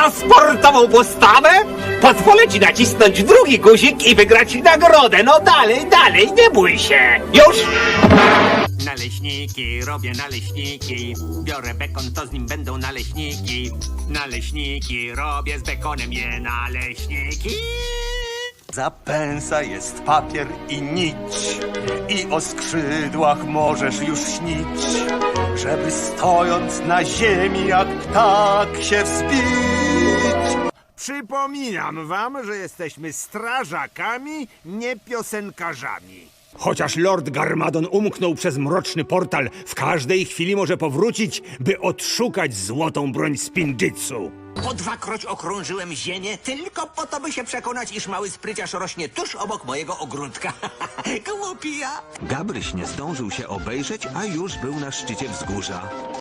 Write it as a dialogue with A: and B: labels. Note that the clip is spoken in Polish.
A: za sportową postawę? Pozwolę ci nacisnąć drugi guzik i wygrać nagrodę. No dalej, dalej, nie bój się. Już?
B: Naleśniki, robię naleśniki. Biorę bekon, to z nim będą naleśniki. Naleśniki, robię z bekonem je naleśniki.
C: Za pęsa jest papier i nić, i o skrzydłach możesz już śnić, żeby stojąc na ziemi jak ptak się wzbić.
D: Przypominam wam, że jesteśmy strażakami, nie piosenkarzami.
E: Chociaż Lord Garmadon umknął przez mroczny portal, w każdej chwili może powrócić, by odszukać złotą broń Spinjitzu.
F: Po dwakroć okrążyłem ziemię tylko po to, by się przekonać, iż mały spryciarz rośnie tuż obok mojego ogródka. Głupia!
G: Gabryś nie zdążył się obejrzeć, a już był na szczycie wzgórza.